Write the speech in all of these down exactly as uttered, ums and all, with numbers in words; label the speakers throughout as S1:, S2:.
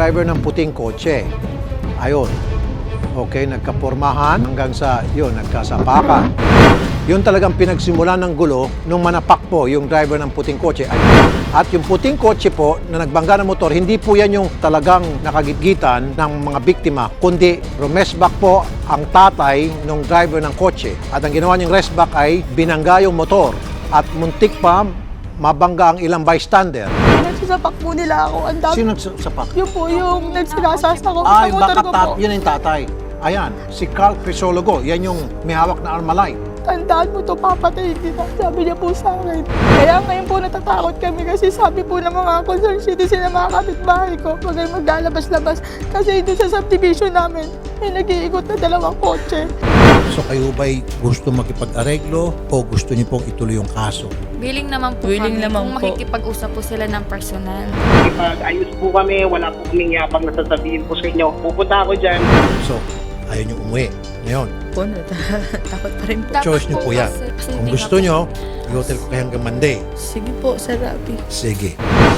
S1: driver ng puting kotse. Ayun. Okay, nagkapormahan hanggang sa, yun, nagkasapakan. Yun talagang pinagsimulan ng gulo nung manapak po yung driver ng puting kotse. At yung puting kotse po na nagbangga ng motor, hindi po yan yung talagang nakagitgitan ng mga biktima, kundi rumesback po ang tatay ng driver ng kotse. At ang ginawa niyang resback ay binangga yung motor at muntik pa mabangga ang ilang bystander.
S2: Nagsasapak po nila ako. Ang dami.
S1: Sino nagsapak?
S2: Yun po yung nagsinasasa ko
S1: Ah,
S2: sa
S1: yung
S2: motor ko
S1: backup,
S2: po.
S1: yun yung tatay. Ayan, si Carl Crisologo, yan yung may hawak na Armalite.
S2: Tandaan mo to, papatayin kita. Sabi niya po sa akin. Kaya ngayon po natatakot kami kasi sabi po ng mga concerned citizen ng mga kapitbahay ko, huwag kayong maglalabas-labas kasi doon sa subdivision namin, may nag-iikot na dalawang kotse.
S1: So kayo ba'y gusto makipag-areglo o gusto niyo pong ituloy yung kaso?
S3: Willing naman po
S4: Willing
S3: kami
S4: naman
S3: kung
S4: po.
S3: makikipag-usap po sila ng personal.
S5: Pag ayos po kami, wala po kaming yapang na sasabihin po sa inyo. Pupunta ako dyan.
S1: So, ayaw niyo umuwi. Ngayon,
S4: Po, takot pa rin po.
S3: Dapat
S1: choice niyo po yan.
S3: kasi- kasi
S1: Kung
S3: hindi
S1: gusto
S3: nga po-
S1: niyo, i-hotel ko kayo hanggang Monday.
S4: Sige po, Sir Rapi.
S1: Sige.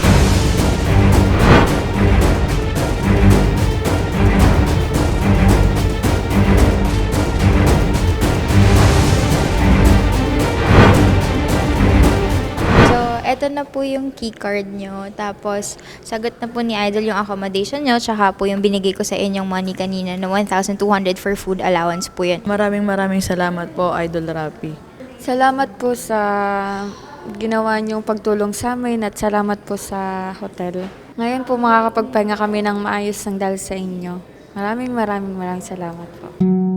S6: So, eto na po yung key card nyo. Tapos, sagot na po ni Idol yung accommodation nyo. Tsaka po yung binigay ko sa inyong money kanina na one thousand two hundred for food allowance po yun.
S4: Maraming maraming salamat po, Idol Rapi.
S3: Salamat po sa ginawa niyong pagtulong sa amin at salamat po sa hotel. Ngayon po makakapagpahinga kami ng maayos ng dahil sa inyo. Maraming maraming maraming salamat po.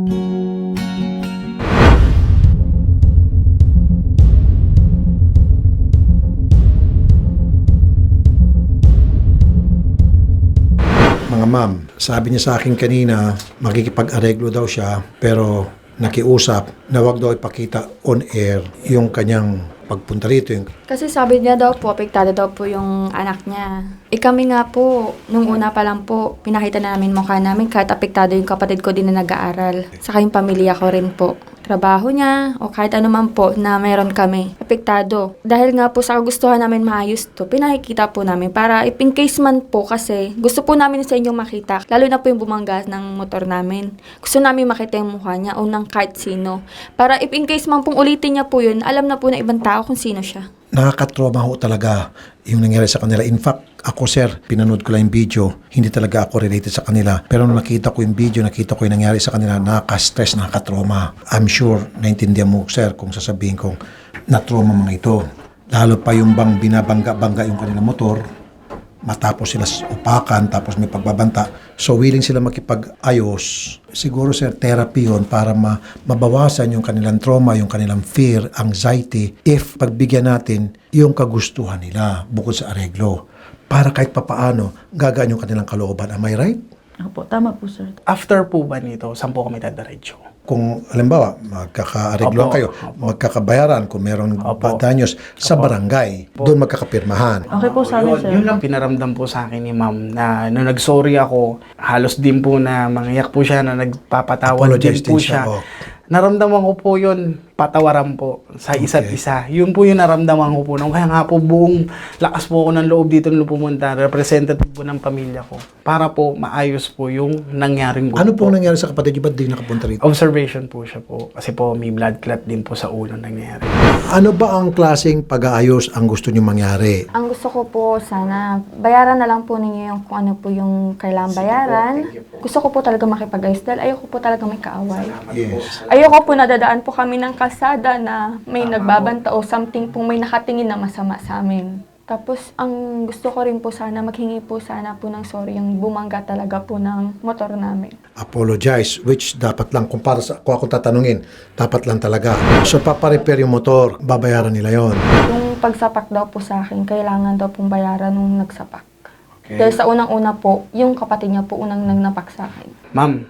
S1: Mga ma'am, sabi niya sa akin kanina, makikipag-areglo daw siya, pero nakiusap na wag daw ipakita on air yung kanyang pagpunta rito. Yung
S2: Kasi sabi niya daw po, apektado daw po yung anak niya. E kami nga po, nung una pa lang po, pinakita na namin mukha namin kahit apektado yung kapatid ko din na nag-aaral. Saka yung pamilya ko rin po. Trabaho niya o kahit ano man po na meron kami. Apektado. Dahil nga po sa kagustuhan namin maayos to, pinakikita po namin para if in case man po kasi gusto po namin sa inyong makita. Lalo na po yung bumangga ng motor namin. Gusto namin makita yung mukha niya o ng kahit sino. Para if in case man pong ulitin niya po yun, alam na po na ibang tao kung sino siya.
S1: nakakatrauma ho talaga yung nangyari sa kanila. In fact, ako sir, pinanood ko lang yung video, hindi talaga ako related sa kanila. Pero nung nakita ko yung video, nakita ko yung nangyari sa kanila, nakaka-stress, nakaka-trauma. I'm sure, naintindihan mo sir kung sasabihin kong na-trauma mga ito. Lalo pa yung bang binabangga-bangga yung kanilang motor, matapos sila upakan, tapos may pagbabanta. So, willing sila makipag-ayos. Siguro, sir, therapy yun para ma mabawasan yung kanilang trauma, yung kanilang fear, anxiety, if pagbigyan natin yung kagustuhan nila bukod sa areglo. Para kahit papaano, gagaan yung kanilang kalooban. Am I right?
S4: Opo, tama po, sir.
S5: After po ba nito, saan po kami dadiretso?
S1: Kung, halimbawa, magkaka-aregloan
S5: Opo,
S1: kayo,
S5: opo.
S1: magkakabayaran kung merong
S5: Opo.
S1: danyos sa
S5: Opo.
S1: barangay, doon magkakapirmahan.
S4: Okay po sa amin, sir.
S5: Yun lang pinaramdam po sa akin ni ma'am na nung nag-sorry ako, halos din po na mangiyak po siya na nagpapatawad din
S1: Apologize
S5: po
S1: din siya,
S5: siya.
S1: oh.
S5: Naramdaman ko po yun, patawaran po sa isa't
S1: Okay.
S5: isa. Yun po yung naramdaman ko po. Nung kaya nga po buong lakas po ako ng loob dito nung pumunta, representative po ng pamilya ko. Para po maayos po yung nangyaring gulo
S1: Ano
S5: po.
S1: pong nangyari sa kapatid niyo? Ba't di nakapunta rito?
S5: Observation po siya po. Kasi po may blood clot din po sa ulo nangyari.
S1: Ano ba ang klaseng pag-aayos ang gusto niyo mangyari?
S2: Ang gusto ko po sana, bayaran na lang po ninyo yung kung ano po yung kailangang bayaran. Gusto ko po talaga makipag-ayos dahil ayoko po talaga may kaaway.
S1: Yes.
S2: Ayoko po nadadaan po kami ng kalsada na may nagbabanta o something po may nakatingin na masama sa amin. Tapos, ang gusto ko rin po sana, maghingi po sana po ng sorry yung bumangga talaga po ng motor namin.
S1: Apologize, which dapat lang, kung para sa, kung ako tatanungin, dapat lang talaga. So, paparepair yung motor, babayaran nila yon.
S2: Yung pagsapak daw po sa akin, kailangan daw pong bayaran nung nagsapak. Dahil sa unang-una po, yung kapatid niya po unang nagnapak sa akin.
S5: Ma'am,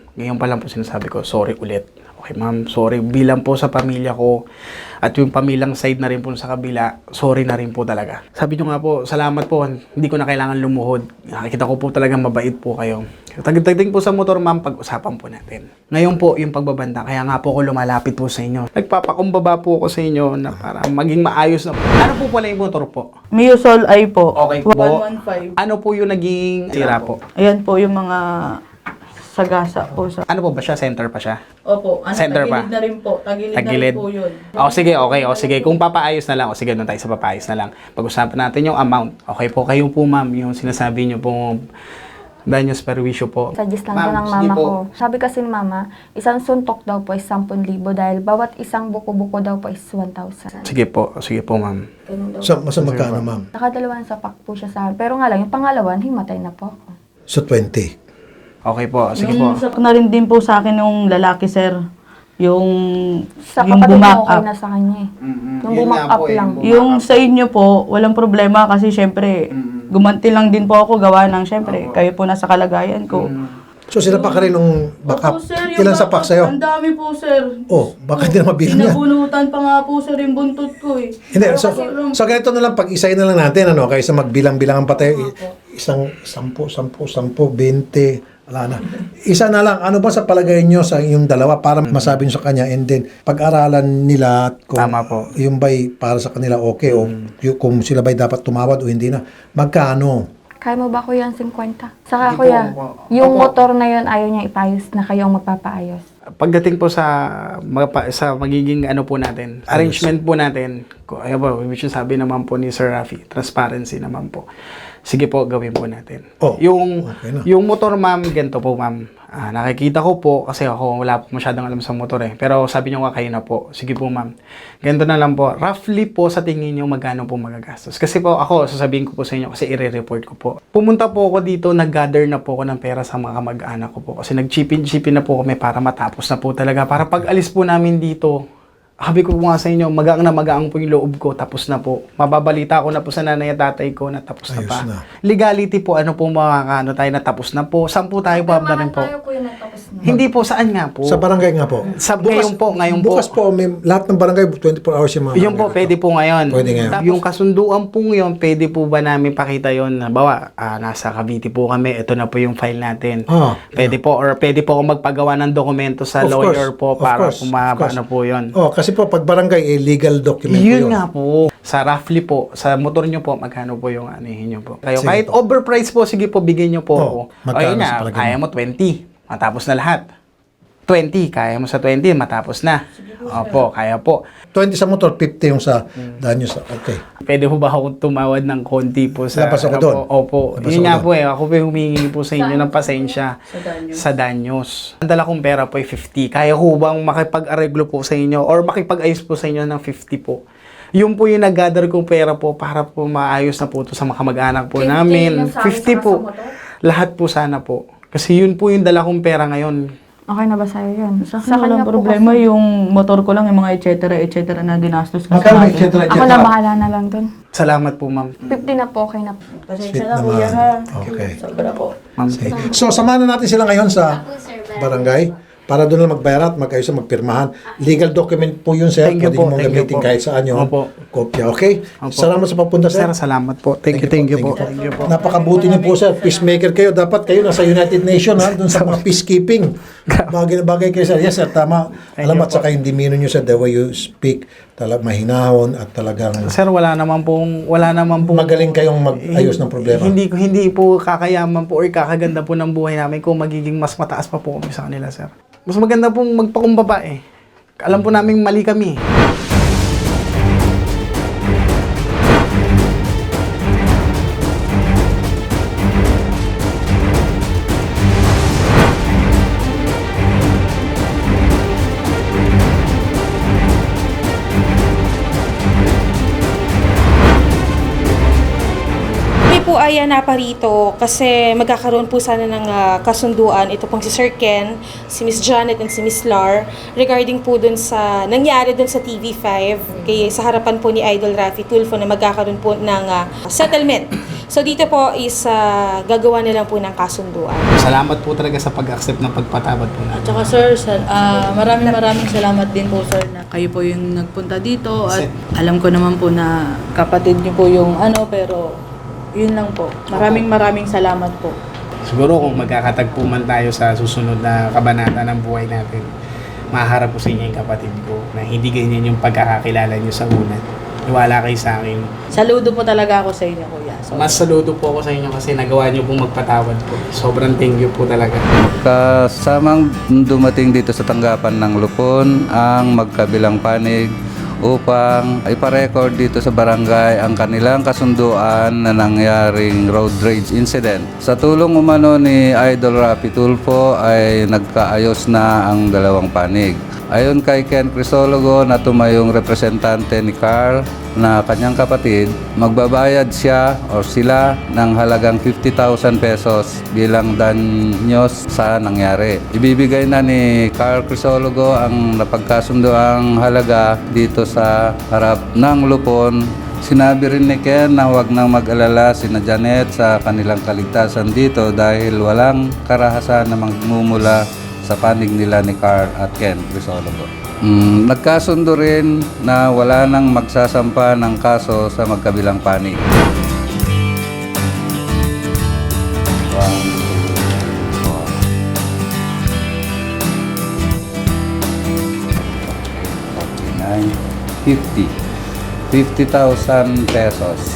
S5: Ngayon pa lang po sinasabi ko, sorry ulit. Okay ma'am, sorry. Bilang po sa pamilya ko at yung pamilyang side na rin po sa kabila, sorry na rin po talaga. Sabi nyo nga po, salamat po. Hindi ko na kailangan lumuhod. Nakikita ko po talaga mabait po kayo. Tagdating po sa motor ma'am, pag-usapan po natin. Ngayon po, yung pagbabanta, kaya nga po ako lumalapit po sa inyo. Nagpapakumbaba po ako sa inyo na para maging maayos na po. Ano po pala yung motor po?
S4: Miusol ay po.
S5: Okay po.
S4: one fifteen.
S5: Ano po yung naging sira po?
S4: Ayan po yung mga sagasa po sa...
S5: Ano po ba siya? Center pa siya?
S4: Opo, ano,
S5: Center pa?
S4: tagilid na rin po. Tagilid,
S5: Tagilid.
S4: na rin po yun.
S5: O sige, okay. O sige, kung papaayos na lang, o sige, doon tayo sa papaayos na lang. Pag-usapan natin yung amount. Okay po, kayo po ma'am, yung sinasabi niyo po, danyos perwisyo po.
S2: Suggest lang
S5: Ma'am,
S2: ko ng
S5: sige
S2: mama
S5: po.
S2: ko. Sabi kasi ni mama, isang suntok daw po is ten thousand dahil bawat isang buko-buko daw po is one thousand.
S5: Sige po, sige po ma'am.
S2: Ganun daw.
S1: Sa, sa magkano, ma'am?
S2: Nakadalawan sa pack po siya sa akin. Pero nga lang, yung pangalawan, himatay na po ako.
S1: So, twenty.
S5: Okay po, sige
S4: yung
S5: po.
S4: sa na rin din po sa akin yung lalaki, sir. Yung...
S2: Sa
S4: yung
S2: kapatid
S4: bumak
S2: mo, okay
S4: up.
S2: na sa kanya eh.
S5: Mm-mm.
S2: Yung
S5: Yun
S2: bumak
S5: nga
S2: up
S5: po eh,
S2: lang.
S5: bumak
S4: Yung
S5: up.
S4: sa inyo po, walang problema kasi syempre, gumanti lang din po ako gawa ng syempre, kayo po nasa kalagayan ko.
S1: So, sila pa ka rin nung backup.
S4: Opo, sir, yung
S1: Ilan sa
S4: backup,
S1: pack sa'yo?
S4: Ang dami po, sir.
S1: Oh, baka hindi na mabilang yan.
S4: Pinabunutan pa nga po, sir, yung buntot ko eh.
S1: Hindi, so, so ganito na lang, pag-isayin na lang natin, ano, kaysa magbilang-bilangan pa tayo, i- isang sampu, sampu, sampu, bente, wala na. Isa na lang, ano ba sa palagay nyo sa yung dalawa para masabi nyo sa kanya and then pag-aralan nila kung
S5: Tama po.
S1: yung ba'y para sa kanila okay o yung, kung sila ba'y dapat tumawad o hindi na, magkano?
S2: Kaya mo ba kuya ang fifty? Saka
S5: Hindi po,
S2: kuya,
S5: opo.
S2: yung
S5: Opo.
S2: motor na yun ayaw niya ipayos na kayo ang magpapaayos.
S5: Pagdating po sa magpa- sa magiging ano po natin, arrangement po natin, ko ayo po, which is sabi naman po ni Sir Rafi, transparency naman po. Sige po, gawin po natin.
S1: Oh,
S5: yung
S1: okay na.
S5: yung motor ma'am, ganito po ma'am. Ah, nakikita ko po kasi ako wala po masyadong alam sa motor eh. Pero sabi niyo nga kayo na po. Sige po ma'am. Ganito na lang po. Roughly po sa tingin niyo magkano po magagastos. Kasi po ako, sasabihin ko po sa inyo kasi i-report ko po. Pumunta po ako dito, nag-gather na po ako ng pera sa mga kamag-anak ko po. Kasi nag-chipin-chipin na po kami para matapos na po talaga. Para pag alis po namin dito, sabi ko po nga sa inyo, magaang na magaang po yung loob ko, tapos na po. Mababalita ko na po sa nanay at tatay ko na tapos na
S1: Ayos
S5: pa.
S1: na.
S5: Legality po, ano po makakano tayo na tapos na po. Saan po tayo pa rin po?
S2: kuya natapos na.
S5: Hindi po, saan nga po?
S1: Sa barangay nga po.
S5: Sa- ngayon po, ngayon po.
S1: Bukas po, may, lahat ng barangay, twenty-four hours yung mga
S5: Yun po, pwede po ngayon.
S1: Pwede ngayon.
S5: Tapos, yung kasunduan po yun, pwede po ba namin pakita yun? Bawa, ah, nasa Cavite po kami, ito na po yung file natin.
S1: Ah,
S5: Pwede po, or pwede po ako magpagawa ng dokumento sa
S1: Of
S5: lawyer
S1: course,
S5: po
S1: of
S5: para
S1: course,
S5: kung
S1: of course.
S5: ano po yun.
S1: Oh, kasi po, pag barangay, eh, legal document po
S5: Yun
S1: yun.
S5: nga po. Sa roughly po, sa motor nyo po, magkano po yung anihin nyo po? Kayo,
S1: Sige
S5: kahit
S1: po.
S5: overprice po, sige po, bigyan nyo po
S1: Oh,
S5: ako.
S1: magkano
S5: Ayun
S1: sa
S5: na,
S1: palagay
S5: kaya
S1: mo?
S5: mo twenty. Matapos na lahat. twenty, kaya mo sa twenty, matapos na. Opo, kaya po.
S1: twenty sa motor, fifty yung sa danyo sa, okay.
S5: Pwede po ba ako tumawad ng konti po sa...
S1: Labas ako
S5: ano
S1: doon.
S5: po? Opo.
S1: Labas
S5: Yun
S1: ako
S5: nga
S1: doon.
S5: po eh. Ako po yung humingi po sa inyo ng pasensya sa danyos. Ang dala kong pera po ay fifty. Kaya ko bang makipag-areglo po sa inyo or makipag-ayos po sa inyo ng fifty po? Yun po yung nag-gather kong pera po para po maayos na po ito sa mga kamag-anak po namin.
S2: yung sa amin,
S5: fifty
S2: saka
S5: po.
S2: sa motor?
S5: Lahat po sana po. Kasi yun po yung dala kong pera ngayon.
S2: Okay na ba sa'yo yun?
S4: Sa akin walang
S2: po
S4: problema,
S2: kasi-
S4: yung motor ko lang, yung mga et cetera, et cetera na dinastos ko.
S1: Magkano,
S4: sa
S1: et cetera, et
S2: Ako
S1: cetera?
S2: na bahala na lang dun.
S5: Salamat po, ma'am.
S2: fifty na po, okay na po.
S4: Pasensya
S1: Sweet
S4: na,
S1: naman.
S4: kuya, ha?
S1: Okay.
S4: Sobra po.
S5: Ma'am.
S1: So, samahan na natin sila ngayon sa barangay para doon na magbayar at mag-ayos na magpirmahan. Legal document po yun, sir.
S5: Thank you
S1: Pwede
S5: po,
S1: mo
S5: thank you
S1: gamitin
S5: po.
S1: kahit saan yung
S5: Opo.
S1: kopya. Okay?
S5: Opo.
S1: Salamat sa pagpunta, sir.
S5: Sir, salamat po. Thank you, thank you po. Thank you po.
S1: Napakabuti niyo po, sir. Peacemaker kayo. Dapat kayo nasa United Nations, ha? Doon sa mga peacekeeping. Bagay na bagay kayo, sir. Yes, sir. Tama.
S5: Thank
S1: Alam
S5: you
S1: at saka yung demeanor niyo, sir, the way you speak, talag mahinahon at talagang
S5: Sir, wala naman pong wala naman pong
S1: magaling kayong mag-ayos ng problema.
S5: Hindi ko hindi po kakayaman po or kakaganda po ng buhay namin kung magiging mas mataas pa po kami sa kanila, sir. Mas maganda pong magpakumbaba eh. Alam po namin mali kami.
S7: Kami po ay naparito kasi magkakaroon po sana ng ah, kasunduan ito pong si Sir Ken, si Miss Janet and si Miss Lar regarding po dun sa nangyari dun sa T V five kay sa harapan po ni Idol Rafi Tulfo na magkakaroon po ng ah, settlement So dito po is ah, gagawa na lang po ng kasunduan.
S5: Salamat po talaga sa pag-accept ng pagpatawad po
S4: At
S5: natin.
S4: saka sir, sal- ah, maraming maraming salamat din po sir na kayo po yung nagpunta dito at alam ko naman po na kapatid niyo po yung ano pero yun lang po. Maraming maraming salamat po.
S5: Siguro kung magkakatagpo man tayo sa susunod na kabanata ng buhay natin, maharap ko sa inyo yung kapatid ko na hindi ganyan yung pagkakakilala niyo sa una. Iwala kayo sa akin.
S4: Saludo po talaga ako sa inyo kuya. So,
S5: Mas saludo po ako sa inyo kasi nagawa niyo pong magpatawad po. Sobrang thank you po talaga.
S8: Kasamang dumating dito sa tanggapan ng Lupon ang magkabilang panig upang iparecord dito sa barangay ang kanilang kasunduan na nangyaring road rage incident. Sa tulong umano ni Idol Rapi Tulfo ay nagkaayos na ang dalawang panig. Ayon kay Ken Crisologo na tumayong representante ni Carl na kanyang kapatid, magbabayad siya o sila ng halagang fifty thousand pesos bilang danyos sa nangyari. Ibibigay na ni Carl Crisologo ang napagkasundoang halaga dito sa harap ng Lupon. Sinabi rin ni Ken na huwag nang mag-alala sina Janet sa kanilang kaligtasan dito dahil walang karahasan na magmumula sa panig nila ni Carl at Ken Crisologo. Mm, nagkasundo rin na wala nang magsasampa ng kaso sa magkabilang panig. One, two, four. forty-nine, fifty. fifty thousand pesos.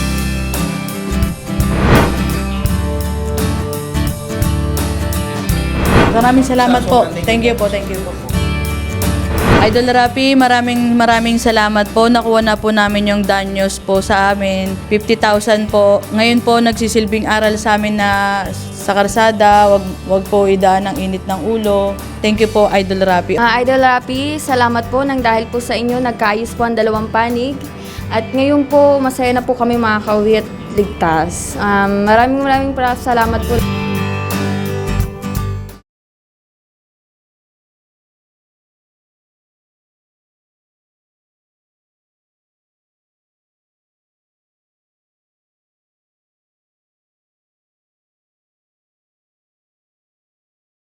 S4: maraming salamat po. Thank you po, thank you po. Idol Rapi, maraming maraming salamat po. Nakuha na po namin yung danyos po sa amin. fifty thousand po. Ngayon po nagsisilbing aral sa amin na sa karsada, wag, wag po idaan ng init ng ulo. Thank you po, Idol Rapi.
S2: Ah, Idol Rapi, salamat po nang dahil po sa inyo nagkaayos po ang dalawang panig. At ngayon po masaya na po kami makakauwi at ligtas. Um, maraming maraming salamat po.